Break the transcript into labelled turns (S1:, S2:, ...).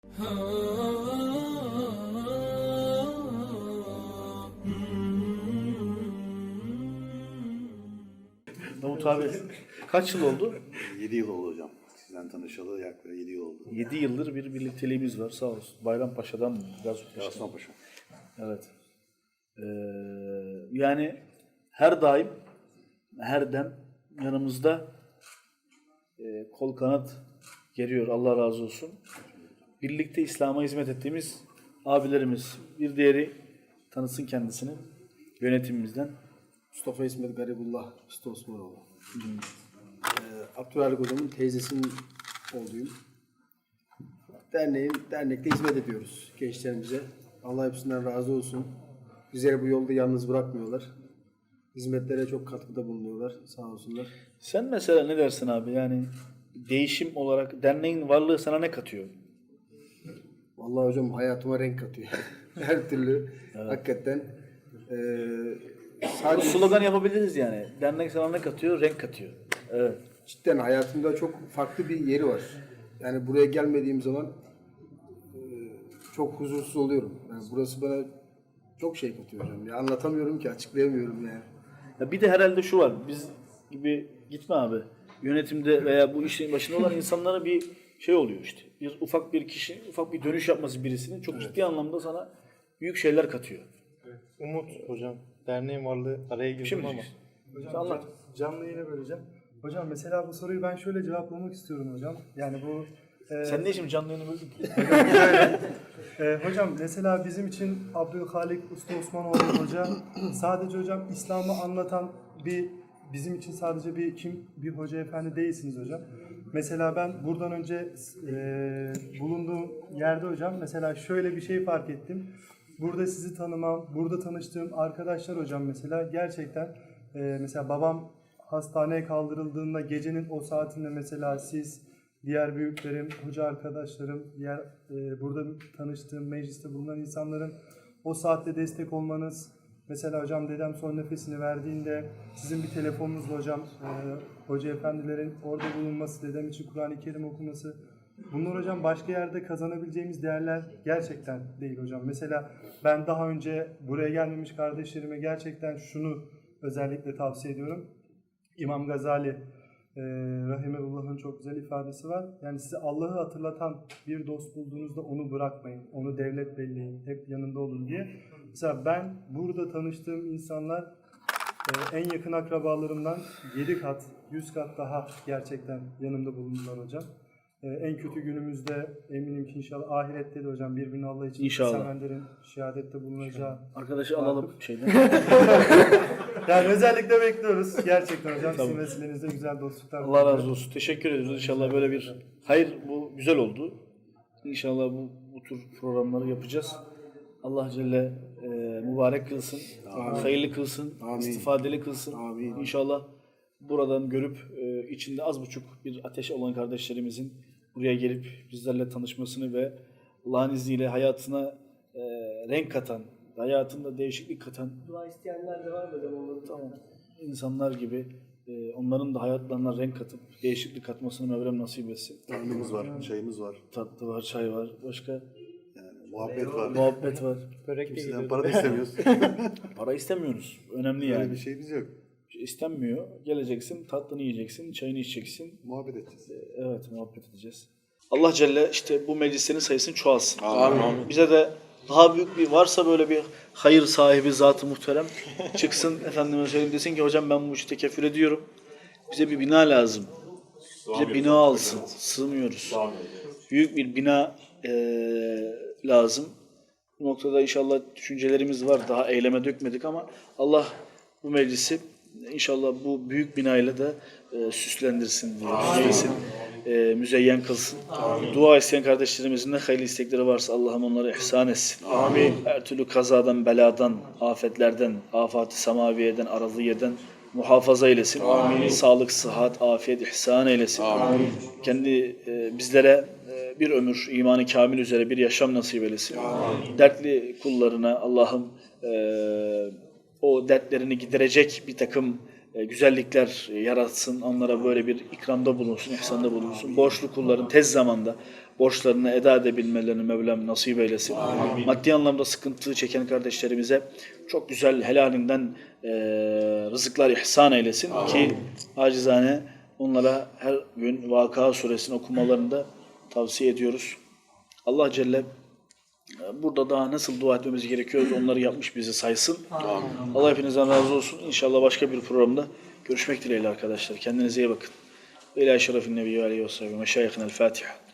S1: Davut abi kaç yıl oldu?
S2: 7 yıl oldu hocam. Sizden tanışalı yaklaşık 7 yıl oldu.
S1: 7 yıldır bir birlikteliğimiz var sağ olsun. Bayrampaşa'dan mı?
S2: Aslanpaşa.
S1: Evet. Yani her daim, her dem yanımızda kol kanat geriyor. Allah razı olsun. Birlikte İslam'a hizmet ettiğimiz abilerimiz. Bir diğeri tanısın kendisini yönetimimizden.
S3: Mustafa İsmet Garibullah Usta Osmanoğlu. Abdülhalik Hocam'ın teyzesinin oğluyum. Dernekte hizmet ediyoruz gençlerimize. Allah hepsinden razı olsun. Bizleri bu yolda yalnız bırakmıyorlar. Hizmetlere çok katkıda bulunuyorlar. Sağ olsunlar.
S1: Sen mesela ne dersin abi? Yani değişim olarak derneğin varlığı sana ne katıyor?
S3: Vallahi hocam hayatıma renk katıyor. Her türlü hakikaten.
S1: Bu
S3: Sadece
S1: slogan yapabiliriz yani. Dernek sana ne katıyor? Renk katıyor. Evet.
S3: cidden hayatımda çok farklı bir yeri var. Yani buraya gelmediğim zaman çok huzursuz oluyorum. Yani burası bana çok şey katıyor hocam. Ya anlatamıyorum ki, açıklayamıyorum yani.
S1: Ya bir de herhalde şu var. Biz gibi gitme abi. Yönetimde veya bu işin başında olan insanlara bir şey oluyor işte. Ufak bir kişi, ufak bir dönüş yapması birisinin çok ciddi anlamda sana büyük şeyler katıyor.
S4: Umut hocam, derneğin varlığı araya girdim
S1: Şimdi
S4: ama.
S1: hocam, anlat.
S5: Canlı yayına böleceğim. Hocam mesela bu soruyu ben şöyle cevaplamak istiyorum hocam. Yani bu
S1: Sen ne şimdi canlı yayını böldün?
S5: hocam mesela bizim için Abdülhalik Usta Osmanoğlu hoca sadece hocam İslam'ı anlatan bizim için sadece bir hoca efendi değilsiniz hocam. Mesela ben buradan önce bulunduğum yerde hocam mesela şöyle bir şey fark ettim. Burada sizi tanımam, burada tanıştığım arkadaşlar hocam mesela gerçekten mesela babam hastaneye kaldırıldığında gecenin o saatinde mesela siz, diğer büyüklerim, hoca arkadaşlarım, diğer burada tanıştığım mecliste bulunan insanların o saatte destek olmanız, mesela hocam dedem son nefesini verdiğinde sizin bir telefonunuzla hocam hoca efendilerin orada bulunması, dedem için Kur'an-ı Kerim okuması, bunlar hocam başka yerde kazanabileceğimiz değerler gerçekten değil hocam. Mesela ben daha önce buraya gelmemiş kardeşlerime gerçekten şunu özellikle tavsiye ediyorum. İmam Gazali Rahimehullah'ın çok güzel ifadesi var. Yani size Allah'ı hatırlatan bir dost bulduğunuzda onu bırakmayın. Onu devlet belleyin. Hep yanında olun diye. Mesela ben burada tanıştığım insanlar en yakın akrabalarımdan 7 kat, 100 kat daha gerçekten yanımda bulundular hocam. En kötü günümüzde eminim ki inşallah ahirette de hocam birbirini Allah için sevenlerin şehadette bulunacağı.
S1: Arkadaşı alalım şeyden.
S5: Yani özellikle bekliyoruz gerçekten hocam. Sizin vesilenizde güzel dostluklar.
S1: Allah razı olsun. Teşekkür ediyoruz. İnşallah böyle bir hayır, bu güzel oldu. İnşallah bu tür programları yapacağız. Allah Celle mübarek kılsın, hayırlı kılsın, istifadeli kılsın. İnşallah buradan görüp içinde az buçuk bir ateş olan kardeşlerimizin buraya gelip bizlerle tanışmasını ve Allah'ın izniyle hayatına renk katan, hayatında değişiklik katan
S3: Dua isteyenler de var mı hocam? Onları
S1: tamam insanlar gibi onların da hayatlarına renk katıp değişiklik katmasını Mevlam nasip etsin.
S2: Karnımız var, çayımız var.
S1: Tatlı var, çay var, başka
S2: Yani muhabbet var.
S1: muhabbet var.
S4: Börek de
S2: Kimseden
S4: gidiyordu.
S2: para da istemiyoruz.
S1: Para istemiyoruz. Önemli
S2: Böyle
S1: yani.
S2: bir şeyimiz yok.
S1: İstenmiyor. Geleceksin, tatlını yiyeceksin, çayını içeceksin.
S2: Muhabbet edeceğiz.
S1: Evet, muhabbet edeceğiz. Allah Celle işte bu meclislerin sayısını çoğalsın. Amin. Bize de daha büyük bir varsa böyle bir hayır sahibi zat-ı muhterem çıksın efendime söyleyeyim desin ki hocam ben bu işi tekeffül ediyorum. Bize bir bina lazım. Bize bina alsın. Sığmıyoruz. Büyük bir bina lazım. Bu noktada inşallah düşüncelerimiz var. Daha eyleme dökmedik ama Allah bu meclisi inşallah bu büyük binayla da süslendirsin diye müzeyyen kılsın. Dua isteyen kardeşlerimizin ne hayırlı istekleri varsa Allah'ım onları ihsan etsin. Amin. Her türlü kazadan, beladan, afetlerden, afat-ı semaviyeden, araziyeden muhafaza eylesin. Amin. Sağlık, sıhhat, afiyet, ihsan eylesin. Amin. Kendi bizlere bir ömür imanı kamil üzere bir yaşam nasip eylesin. Amin. Dertli kullarına Allah'ım o dertlerini giderecek bir takım güzellikler yaratsın. Onlara böyle bir ikramda bulunsun, ihsanda bulunsun. Borçlu kulların tez zamanda borçlarını eda edebilmelerini Mevlam nasip eylesin. Maddi anlamda sıkıntı çeken kardeşlerimize çok güzel helalinden rızıklar ihsan eylesin ki acizane onlara her gün Vakıa suresini okumalarını da tavsiye ediyoruz. Allah Celle burada daha nasıl dua etmemiz gerekiyor onları yapmış bizi saysın. Allah hepinizden razı olsun. İnşallah başka bir programda görüşmek dileğiyle arkadaşlar. Kendinize iyi bakın. Ve ila şerefin nebiyyü aleyhi ve sellem. Meşayihin el Fatiha.